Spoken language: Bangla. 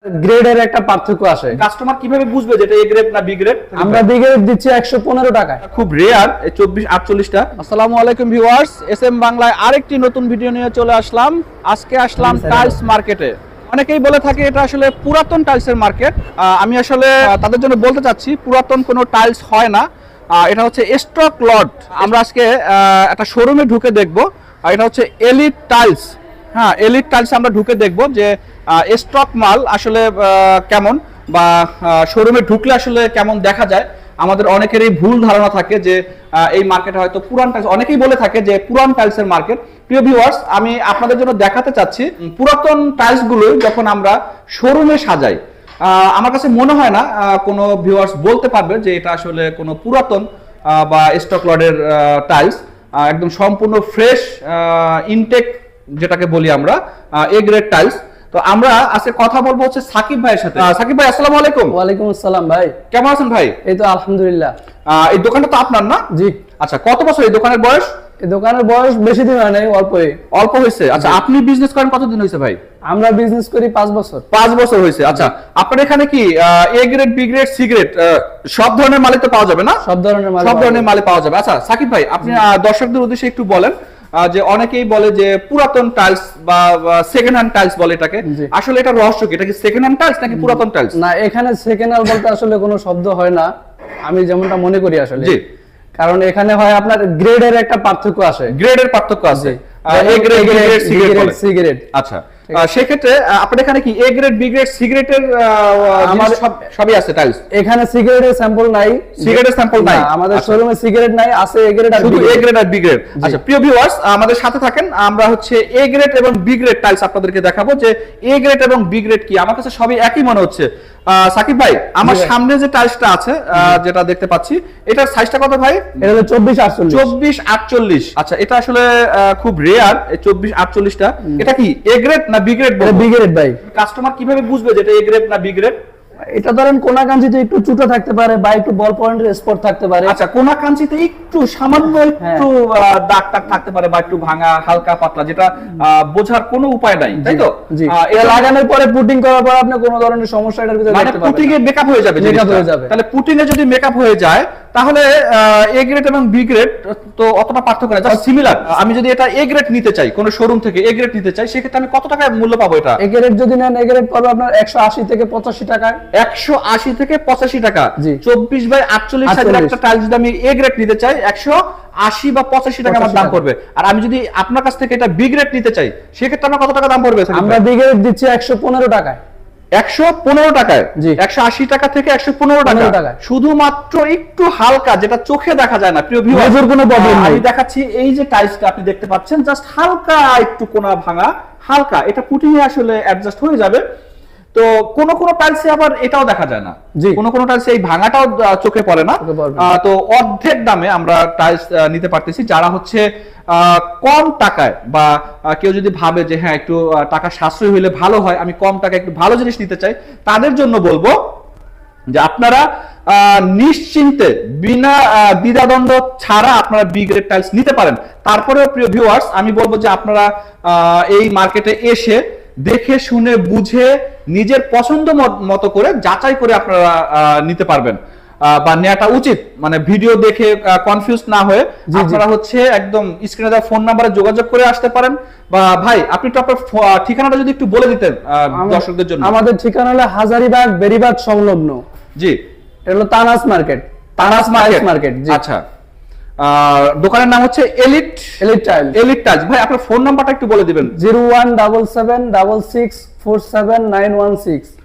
গ্রেডের একটা পার্থক্য আসে। কাস্টমার কিভাবে বুঝবে যেটা এ গ্রেড না বি গ্রেড? আমরা বি গ্রেড দিচ্ছি 115 টাকায়। খুব রেয়ার এই 24-48টা। আসসালামু আলাইকুম ভিউয়ার্স, এসএম বাংলায় আরেকটি নতুন ভিডিও নিয়ে চলে আসলাম। আজকে আসলাম টাইলস মার্কেটে। অনেকেই বলে থাকে এটা আসলে পুরাতন টাইলসের মার্কেট। আমি আসলে তাদের জন্য বলতে চাচ্ছি পুরাতন কোনো টাইলস হয় না, এটা হচ্ছে স্টক লট। আমরা আজকে একটা শোরুমে ঢুকে দেখব। এটা হচ্ছে এলিট টাইলস। হ্যাঁ, এলিট টাইলস আমরা ঢুকে দেখব যে স্টক মাল আসলে কেমন, বা শোরুমে ঢুকলে আসলে কেমন দেখা যায়। আমাদের অনেকেরই ভুল ধারণা থাকে যে এই মার্কেটে হয়তো পুরান টাইলস, অনেকেই বলে থাকে যে পুরান টাইলসের মার্কেট। প্রিয় ভিউয়ার্স, আমি আপনাদের জন্য দেখাতে চাচ্ছি পুরাতন টাইলস গুলো যখন আমরা শোরুমে সাজাই, আমার কাছে মনে হয় না কোনো ভিউয়ার্স বলতে পারবে যে এটা আসলে কোনো পুরাতন বা স্টক লটের টাইলস। একদম সম্পূর্ণ ফ্রেশ ইনটেক, যেটাকে বলি আমরা এ গ্রেড টাইলস। তো আমরা আজকে কথা বলবো হচ্ছে সাকিব ভাইয়ের সাথে। সাকিব ভাই, আসসালামু আলাইকুম। ওয়ালাইকুম আসসালাম ভাই, কেমন আছেন ভাই? এই তো আলহামদুলিল্লাহ। এই দোকানটা তো আপনার না? জি। আচ্ছা, কত বছর এই দোকানের বয়স? এই দোকানের বয়স বেশি দিন হয় নাই, অল্প হয়েছে। আচ্ছা, আপনি বিজনেস করেন কতদিন হয়েছে ভাই? আমরা বিজনেস করি 5 বছর। 5 বছর হয়েছে। আচ্ছা, আপনার এখানে কি A grade, B grade, C grade সব ধরনের মালই তো পাওয়া যাবে না? সব ধরনের মাল পাওয়া যাবে। আচ্ছা সাকিব ভাই, আপনি দর্শকদের উদ্দেশ্যে একটু বলেন যে অনেকেই বলে যে পুরাতন টাইলস বা সেকেন্ড হ্যান্ড টাইলস বলে এটাকে, আসলে এটা রহস্য কি? এটা কি সেকেন্ড হ্যান্ড টাইলস নাকি পুরাতন টাইলস? না, এখানে সেকেন্ড হ্যান্ড বলতে আসলে কোনো শব্দ হয় না, আমি যেমনটা মনে করি আসলে। জি। কারণ এখানে হয় আপনার গ্রেডের একটা পার্থক্য আসে। গ্রেডের পার্থক্য আছে, A grade, B grade, C grade, C grade. আচ্ছা, সেক্ষেত্রে আপনাদের এখানে কি A grade, B grade, C গ্রেডের আমাদের সবই আছে টাইলস? এখানে সি গ্রেডের স্যাম্পল নাই। সি গ্রেডের স্যাম্পল নাই আমাদের শোরুমে, সি গ্রেড নাই, আছে এ গ্রেড আর শুধু এ গ্রেড আর বি গ্রেড। আচ্ছা প্রিয় ভিউয়ার্স, আমাদের সাথে থাকেন। আমরা হচ্ছে এ গ্রেড এবং বি গ্রেড টাইলস আপনাদেরকে দেখাবো যে এ গ্রেড এবং বি গ্রেড কি। আমার কাছে সবই একই মনে হচ্ছে। সাকিব ভাই, আমার সামনে যে টাইলসটা আছে, যেটা দেখতে পাচ্ছি, এটার সাইজটা কত ভাই? এটা হলো 24-48। 24-48। আচ্ছা, এটা আসলে খুব রেয়ার এই 24-48টা। এটা কি এ গ্রেড না বি গ্রেড? বি গ্রেড ভাই। কাস্টমার কিভাবে বুঝবে যে এটা এ গ্রেড না বি গ্রেড? এটা ধরেন কোনা কাঞ্চিতে একটু চুটো থাকতে পারে বা একটু বল পয়েন্টের স্পট থাকতে পারে। আচ্ছা, কোনা কাঞ্চিতে একটু সামান্য একটু দাগ টাগ থাকতে পারে বা একটু ভাঙা হালকা পাতলা, যেটা বোঝার কোনো উপায় নাই, তাই তো? এটা লাগানোর পরে পুটিং করার পর আপনি কোনো ধরনের সমস্যা এটার ভিতরে দেখতে পাবেন না। পুটিং এ মেকআপ হয়ে যাবে। তাহলে পুটিং এ যদি মেকআপ হয়ে যায় তাহলে এ গ্রেড এবং বি গ্রেড তো অতটা পার্থক্য নাই, জাস্ট সিমিলার। আমি যদি এটা এ গ্রেড নিতে চাই, কোন শোরুম থেকে এ গ্রেড নিতে চাই, সেক্ষেত্রে আমি কত টাকায় মূল্য পাবো? এটা এ গ্রেড যদি নেন, এ গ্রেড পাবো আপনার 180 থেকে 85 টাকায়। 180 থেকে 85 টাকা। 24/48 সাইজের একটা টাইলস যদি আমি এ গ্রেড নিতে চাই, 180 বা 85 টাকা আমার দাম পড়বে। আর আমি যদি আপনার কাছ থেকে এটা বি গ্রেড নিতে চাই, সেক্ষেত্রে আমার কত টাকা দাম পড়বে? আমরা বি গ্রেড দিচ্ছি 115 টাকায়। 115 টাকায়? 180 টাকা থেকে 115 টাকা, শুধুমাত্র একটু হালকা, যেটা চোখে দেখা যায় না। প্রিয় ভিউয়ার, কোনো প্রবলেম নাই। আমি দেখাচ্ছি এই যে টাইলসটা আপনি দেখতে পাচ্ছেন, জাস্ট হালকা একটু কোনা ভাঙা, হালকা, এটা পুটিং এ আসলে অ্যাডজাস্ট হয়ে যাবে। তো কোন কোন টাইলসে আবার এটাও দেখা যায় না, কোন কোন টাইলসে এই ভাঙাটাও চোখে পড়ে না। তো অর্ধেক দামে আমরা টাইলস নিতে পারতেছি। যারা হচ্ছে কম টাকায়, বা কেউ যদি ভাবে যে হ্যাঁ একটু টাকা সাশ্রয় হইলে ভালো হয়, আমি কম টাকায় একটু ভালো জিনিস নিতে চাই, তাদের জন্য বলবো যে আপনারা নিশ্চিন্তে বিনা দ্বিধাদ্বন্দ্ব ছাড়া আপনারা বি গ্রেড টাইলস নিতে পারেন। তারপরেও প্রিয় ভিউয়ার্স, আমি বলবো যে আপনারা এই মার্কেটে এসে দেখে শুনে বুঝে নিজের পছন্দ মতো করে যাচাই করে আপনারা নিতে পারবেন, বা নেওয়াটা উচিত। মানে ভিডিও দেখে কনফিউজ না হয়ে আপনারা হচ্ছে একদম স্ক্রিনে দেওয়া ফোন নাম্বারে যোগাযোগ করে আসতে পারেন। বা ভাই, আপনি তো আপনার ঠিকানাটা যদি একটু বলে দিতেন দর্শকদের জন্য। আমাদের ঠিকানা হলো হাজারীবাগ বেরিবাগ সংলগ্ন। জি। এটা হলো তানাস মার্কেট। জি। আচ্ছা, দোকানের নাম হচ্ছে এলিট টাইলস। ভাই, আপনার ফোন নাম্বারটা একটু বলে দিবেন। 017766479116।